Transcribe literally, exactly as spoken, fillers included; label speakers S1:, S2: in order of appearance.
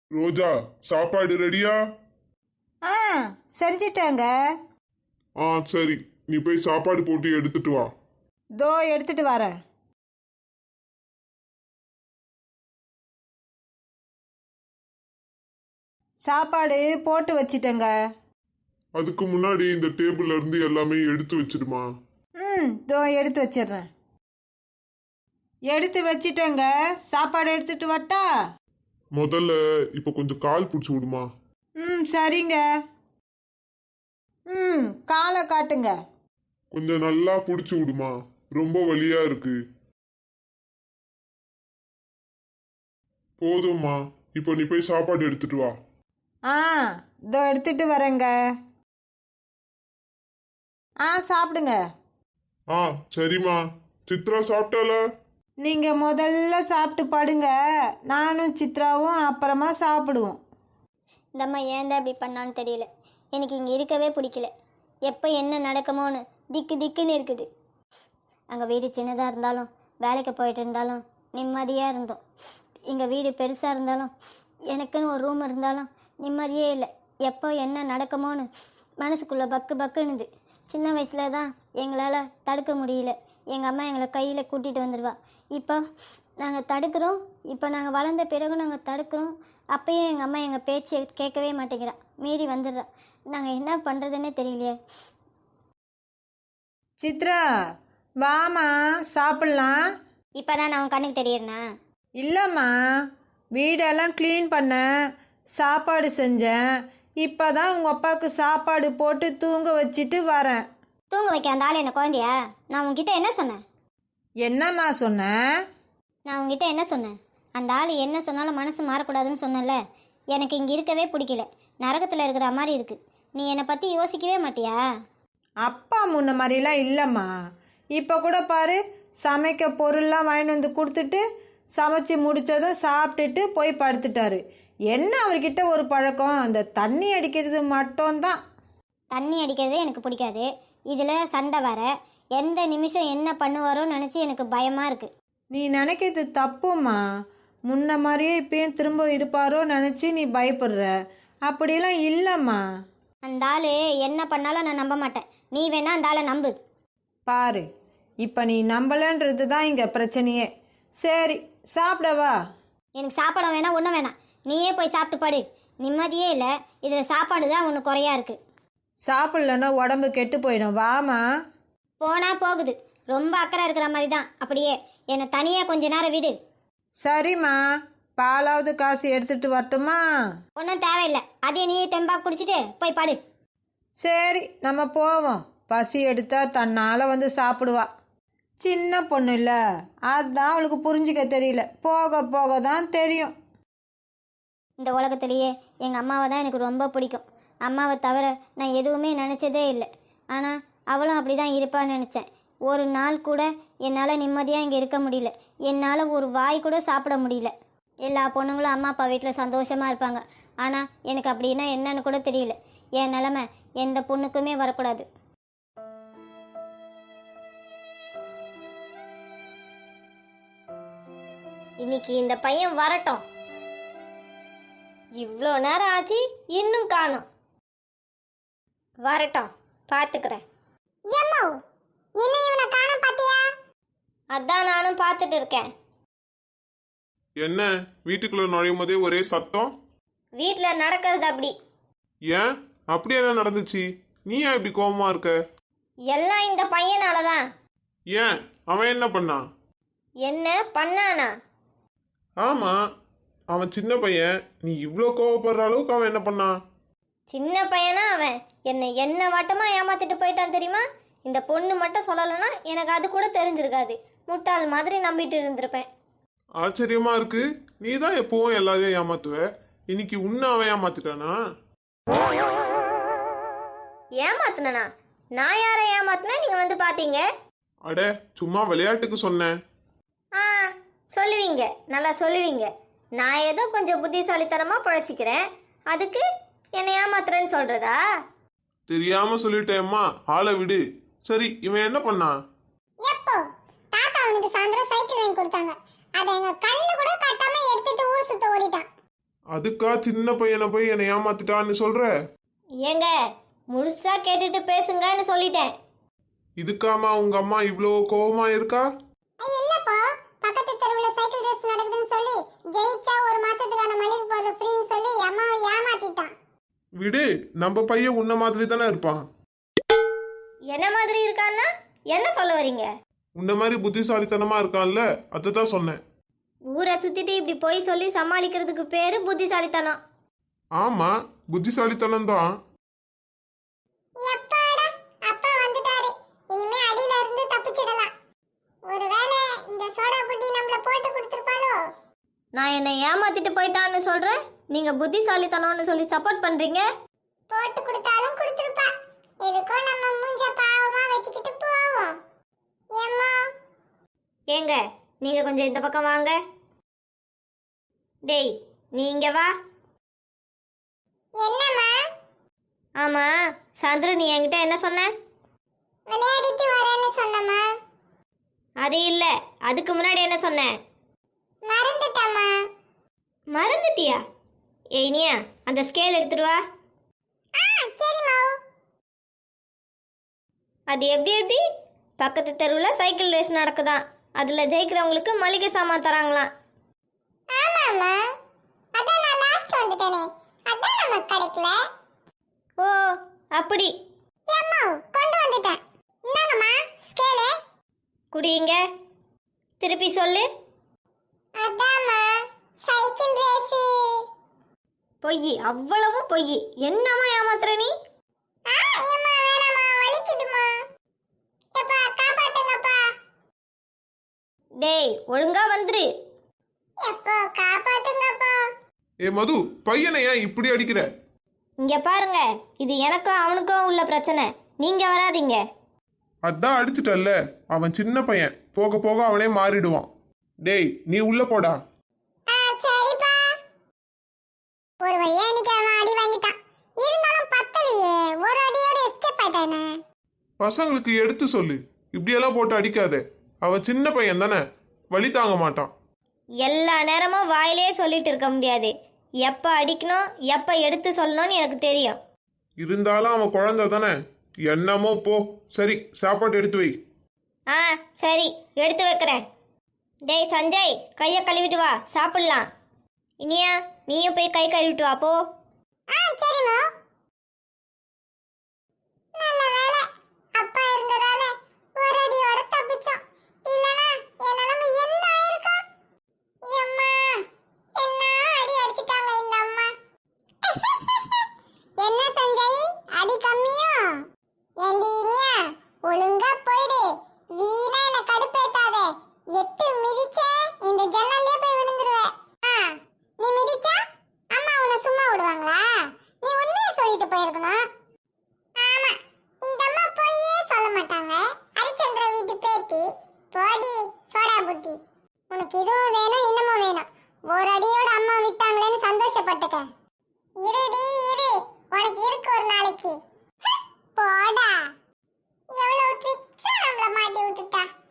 S1: ரோஜா, சாப்பாடு ரெடியா?
S2: ஆ செஞ்சிட்டேங்க.
S1: ஆ சரி, நீ போய் சாப்பாடு போட்டு எடுத்துட்டு வா.
S2: தோ எடுத்துட்டு வரேன். சாப்பாடு போட்டு வச்சிட்டேங்க.
S1: அதுக்கு முன்னாடி இந்த டேபிள்ல இருந்து எல்லாமே எடுத்து வச்சிடுமா.
S2: ம் தோ எடுத்து வச்சிடுறேன். எடுத்து வச்சிட்டேங்க. சாப்பாடு எடுத்துட்டு வரட்டா?
S1: முதல்ல இப்ப கொஞ்சம் கால் பிடிச்சி விடுமா.
S2: ம் சரிங்க. ம் காலை காட்டுங்க.
S1: கொஞ்சம் நல்லா பிடிச்சி விடுமா, ரொம்ப வலியா இருக்கு. போதும்மா, இப்போ நீ போய் சாப்பாடு எடுத்துட்டு வா.
S2: ஆ இதோ எடுத்துட்டு வரேங்க. ஆ சாப்பிடுங்க.
S1: ஆ சரிம்மா. சித்ரா சாப்பிட்டால?
S2: நீங்க முதல்ல சாப்பிட்டு படுங்க. நானும் சித்ராவும் அப்புறமா சாப்பிடுவோம்.
S3: இந்த அம்மா ஏன் தான் இப்படி பண்ணான்னு தெரியல. எனக்கு இங்கே இருக்கவே பிடிக்கல. எப்போ என்ன நடக்குமோன்னு திக்கு திக்குன்னு இருக்குது. அங்கே வீடு சின்னதாக இருந்தாலும் வேலைக்கு போயிட்டு இருந்தாலும் நிம்மதியாக இருந்தோம். எங்கள் வீடு பெருசாக இருந்தாலும் எனக்குன்னு ஒரு ரூம் இருந்தாலும் நிம்மதியே இல்லை. எப்போ என்ன நடக்குமோன்னு மனசுக்குள்ளே பக்கு பக்குன்னுது. சின்ன வயசில் தான் எங்களால் தடுக்க முடியல. எங்கள் அம்மா எங்களை கையில் கூட்டிகிட்டு வந்துடுவா. இப்போ நாங்கள் தடுக்கிறோம். இப்போ நாங்கள் வளர்ந்த பிறகு நாங்கள் தடுக்கிறோம். அப்பயும் எங்கள் அம்மா எங்கள் பேச்சை கேட்கவே மாட்டேங்கிறா, மீறி வந்துடுறா. நாங்கள் என்ன பண்ணுறதுன்னே தெரியலையே.
S2: சித்ரா வாமா சாப்பிட்லாம்.
S3: இப்போ தான் நான் உன் கண்ணுக்கு தெரியறேனா?
S2: இல்லைம்மா, வீடெல்லாம் க்ளீன் பண்ணேன், சாப்பாடு செஞ்சேன். இப்போ தான் உங்கள் அப்பாவுக்கு சாப்பாடு போட்டு தூங்க வச்சுட்டு வரேன்.
S3: தூங்க வைக்க அந்த ஆள் என்ன குழந்தையா? நான் உங்ககிட்ட என்ன சொன்னேன்?
S2: என்னம்மா சொன்னேன்?
S3: நான் உங்ககிட்ட என்ன சொன்னேன்? அந்த ஆள் என்ன சொன்னாலும் மனசு மாறக்கூடாதுன்னு சொன்னேன்ல. எனக்கு இங்கே இருக்கவே பிடிக்கல. நரகத்தில் இருக்கிற மாதிரி இருக்குது. நீ என்னை பற்றி யோசிக்கவே மாட்டியா?
S2: அப்பா முன்ன மாதிரிலாம் இல்லைம்மா. இப்போ கூட பாரு, சமைக்க பொருள்லாம் வாங்கிட்டு வந்து கொடுத்துட்டு சமைச்சி முடித்ததும் சாப்பிட்டுட்டு போய் படுத்துட்டாரு. என்ன அவர்கிட்ட ஒரு பழக்கம், அந்த தண்ணி அடிக்கிறது மட்டும்தான்.
S3: தண்ணி அடிக்கிறதே எனக்கு பிடிக்காது. இதில் சண்டை வர எந்த நிமிஷம் என்ன பண்ணுவாரோன்னு நினச்சி எனக்கு பயமாக இருக்குது.
S2: நீ நினைக்கிறது தப்புமா. முன்ன மாதிரியே இப்பயும் திரும்ப இருப்பாரோ நினச்சி நீ பயப்படுற. அப்படிலாம் இல்லைம்மா.
S3: அந்த ஆள் என்ன பண்ணாலும் நான் நம்ப மாட்டேன். நீ வேணா அந்த ஆளை நம்பு.
S2: பாரு, இப்போ நீ நம்பலன்றது தான் இங்கே பிரச்சனையே. சரி சாப்பிடவா?
S3: எனக்கு சாப்பாடு வேணாம், ஒன்றும் வேணாம். நீயே போய் சாப்பிட்டு படு. நிம்மதியே இல்லை. இதில் சாப்பாடு தான் ஒன்று குறையா இருக்குது.
S2: சாப்பிட்லன்னா உடம்பு கெட்டு போயிடும். வாமா.
S3: போனால் போகுது. ரொம்ப அக்கறை இருக்கிற மாதிரி தான். அப்படியே என்னை தனியாக கொஞ்ச நேரம் விடு.
S2: சரிம்மா, பாலாவது காசு எடுத்துட்டு வரட்டுமா?
S3: ஒன்றும் தேவையில்லை. அதே நீயே தெம்பாக குடிச்சிட்டு போய் படு.
S2: சரி நம்ம போவோம். பசி எடுத்தா தன்னால் வந்து சாப்பிடுவா. சின்ன பொண்ணு இல்லை, அதுதான் அவளுக்கு புரிஞ்சிக்க தெரியல. போக போக தான் தெரியும்.
S3: இந்த உலகத்திலேயே எங்கள் அம்மாவை தான் எனக்கு ரொம்ப பிடிக்கும். அம்மாவை தவிர நான் எதுவுமே நினச்சதே இல்லை. ஆனால் அவளும் அப்படி தான் இருப்பான்னு நினச்சேன். ஒரு நாள் கூட என்னால் நிம்மதியாக இங்கே இருக்க முடியல. என்னால் ஒரு வாய் கூட சாப்பிட முடியல. எல்லா பொண்ணுங்களும் அம்மா அப்பா வீட்டில் சந்தோஷமாக இருப்பாங்க. ஆனால் எனக்கு அப்படின்னா என்னன்னு கூட தெரியல. என் நிலமை எந்த பொண்ணுக்குமே வரக்கூடாது. இன்னைக்கு இந்த பையன் வரட்டும். இவ்வளோ நேரம் ஆச்சு, இன்னும் காணும். வரட்டும், பார்த்துக்கிறேன். அதான் நானும் பார்த்துட்டு இருக்கேன்.
S1: என்ன வீட்டுக்குள்ள நுழையும் போதே ஒரே சத்தம்?
S3: வீட்டில் நடக்கிறது அப்படி.
S1: ஏன் அப்படி என்ன நடந்துச்சு? நீ ஏன் இப்படி கோபமா இருக்க?
S3: எல்லாம் இந்த பையனால தான்.
S1: ஏன் அவன் என்ன பண்ணான்?
S3: என்ன பண்ணானா?
S1: ஆமா, அவன் சின்ன பையன். நீ இவ்வளோ கோவப்படுற அளவுக்கு அவன் என்ன பண்ணான்?
S3: சின்ன பையனா அவன்? என்னை என்ன வட்டமா ஏமாத்திட்டு போயிட்டான் தெரியுமா? இந்த பொண்ணு மட்டும் சொல்லலைன்னா எனக்கு அது கூட தெரிஞ்சிருக்காது. முட்டாள் மாதிரி நம்பிட்டு இருந்திருப்பேன்.
S1: ஆச்சரியமா இருக்கு. நீ தான் எப்பவும் எல்லாரையும் ஏமாத்துவ. இன்னைக்கு உன்னை அவன் ஏமாத்திட்டானா?
S3: ஏமாத்துனா? நான் யாரை ஏமாத்தினா நீங்க வந்து பாத்தீங்க?
S1: அட, சும்மா விளையாட்டுக்கு சொன்னேன்.
S3: ஆ சொல்லுவீங்க, நல்லா சொல்லுவீங்க. நான் ஏதோ கொஞ்சம் புத்திசாலித்தனமா பழச்சிக்கிறேன், அதுக்கு என்னை ஏமாத்துறேன்னு சொல்றதா?
S1: தெரியாம சொல்லிட்டேம்மா, ஆளை விடு. சரி, இவன் என்ன பண்ணான்?
S4: எப்போ தாத்தா அவனுக்கு சாயந்தரம் சைக்கிள் வாங்கி கொடுத்தாங்க. அதை எங்க கண்ணு கூட காட்டாம எடுத்துட்டு ஊர் சுத்த ஓடிட்டான்.
S1: அதுக்கா சின்ன பையனை போய் என்னை ஏமாத்திட்டான்னு சொல்ற?
S3: ஏங்க முழுசா கேட்டுட்டு பேசுங்கன்னு சொல்லிட்டேன்.
S1: இதுக்காமா உங்க அம்மா இவ்வளோ கோவமா இருக்கா?
S4: ஐய், இல்லப்பா, பக்கத்து தெருவுல சைக்கிள் ரேஸ் நடக்குதுன்னு சொல்லி ஜெயிச்சா ஒரு மாசத்துக்கான மளிகை பொருள் ஃப்ரீன்னு சொல்லி அம்மாவை ஏமாத்திட்டான்.
S1: விடு, நம்ம பையன் உன்ன மாதிரி தானே இருப்பான்.
S3: என்ன மாதிரி இருக்கான்னா என்ன சொல்ல வரீங்க?
S1: உன்ன மாதிரி புத்திசாலித்தனமா இருக்கான்ல, அதை தான் சொன்னேன்.
S3: ஊரை சுத்திட்டு இப்படி போய் சொல்லி சமாளிக்கிறதுக்கு பேரு புத்திசாலித்தனம்.
S1: ஆமா, புத்திசாலித்தனம் தான்.
S4: எப்பாடா, அப்பா வந்துட்டாரு. இனிமே அடியில இருந்து தப்பிச்சிடலாம். ஒருவேளை இந்த சோடா புட்டி நம்மள போட்டு கொடுத்துருப்பாளோ?
S3: நான் என்னை ஏமாத்திட்டு போயிட்டான்னு சொல்றேன், நீங்க புத்திசாலித்தனம்னு சொல்லி சப்போர்ட் பண்றீங்க.
S4: போட்டு கொடுத்தாலும் கொடுத்துருப்பா. எதுக்கும் நம்ம மூஞ்ச பாவமா வச்சுக்கிட்டு போவோம். ஏம்மா,
S3: ஏங்க நீங்க கொஞ்சம் இந்த பக்கம் வாங்க. டேய் நீ இங்க வா.
S4: என்னம்மா?
S3: ஆமா சந்துரு, நீ என்கிட்ட என்ன சொன்ன?
S4: விளையாடிட்டு வரேன்னு சொன்னம்மா.
S3: அது இல்ல, அதுக்கு முன்னாடி என்ன சொன்ன?
S4: மறந்துட்டம்மா.
S3: மறந்துட்டியா? ஏய் இனியா, அந்த ஸ்கேல் எடுத்துட்டு வா.
S4: ஆ, சரிம்மா.
S3: அது எப்படி எப்படி? பக்கத்து தெருவில் சைக்கிள் ரேஸ் நடக்குதாம், அதில் ஜெயிக்கிறவங்களுக்கு மளிகை சாமான் தராங்களாம்.
S4: ஆமாம்மா, அதான் நான் லாஸ்ட் வந்துட்டேனே, அதான் நமக்கு கிடைக்கல.
S3: ஓ அப்படி.
S4: ஏம்மா, கொண்டு வந்துட்டேன். இந்தாங்கம்மா ஸ்கேலு.
S3: குடிங்க. திருப்பி சொல்லு.
S4: அதாம்மா சைக்கிள் ரேஸு.
S3: பொய், அவ்வளவு பொய். என்னம்மா ஏமாத்துற நீ?
S4: ஆ, ஏம்மா வேணாம்மா, வலிக்குதும்மா. எப்பா காப்பாத்துங்கப்பா.
S3: டேய் ஒழுங்கா வந்துரு.
S4: எப்போ காப்பாத்துங்கப்பா.
S1: ஏ மது, பையனை ஏன் இப்படி அடிக்கிற?
S3: இங்க பாருங்க, இது எனக்கும் அவனுக்கும் உள்ள பிரச்சனை, நீங்க வராதீங்க.
S1: அதான் அடிச்சிட்டல்ல, அவன் சின்ன பையன், போக போக அவனே மாறிடுவான். டேய் நீ உள்ள போடா.
S4: ஆ, சரிப்பா. ஒரு வழியா இன்னைக்கு அவன் அடி வாங்கிட்டான். இருந்தாலும் பத்தலையே, ஒரு அடியோட எஸ்கேப் ஆயிட்டானே.
S1: பசங்களுக்கு எடுத்து சொல்லு, இப்படியெல்லாம் போட்டு அடிக்காத. அவன் சின்ன பையன் தானே, வலி தாங்க மாட்டான்.
S3: எல்லா நேரமும் வாயிலே சொல்லிட்டு இருக்க முடியாது. எப்போ அடிக்கணும் எப்போ எடுத்து சொல்லணும்னு எனக்கு தெரியும்.
S1: இருந்தாலும் அவன் குழந்தை தானே, என்னமோ போ. சரி, சாப்பாடு எடுத்து வை.
S3: ஆ சரி, எடுத்து வைக்கிறேன். டேய் சஞ்சய், கையை கழுவிட்டு வா, சாப்பிடலாம். இனியா நீயும் போய் கை கழுவிட்டு வா போ.
S4: ஆ, சரிம்மா. நல்ல வேளை அப்பா இருந்ததால ஒரு அடியோட தப்பிச்சோம். இல்லனா என் நிலைமை என்ன ஆயிருக்கும்? எம்மா, என்ன அடி அடிச்சிட்டாங்க இந்த அம்மா. என்ன சஞ்சய், அடி கம்மியா? ஏண்டி இனியா, ஒழுங்கா போயிடு. வீணா என்ன கடுப்பேத்தாத. எட்டு மிதிச்சே இந்த ஜன்னல்லே போய் விழுந்துருவே. ஆ, நீ மிதிச்சா அம்மா உன்னை சும்மா விடுவாங்களா? நீ உண்மையை சொல்லிட்டு போயிருக்கணும். ஆமா, இந்த அம்மா பொய்யே சொல்ல மாட்டாங்க. ஹரிச்சந்திர வீட்டு பேத்தி. போடி சோடா புட்டி. உனக்கு இதுவும் வேணும் இன்னமும் வேணும். ஒரு அடியோட அம்மா விட்டாங்களேன்னு சந்தோஷப்பட்டுக்க. இருடி இரு, உனக்கு இருக்கு ஒரு நாளைக்கு. போடா, எவ்வளவு ட்ரிக்ஸா நம்மள மாட்டி விட்டுட்டா.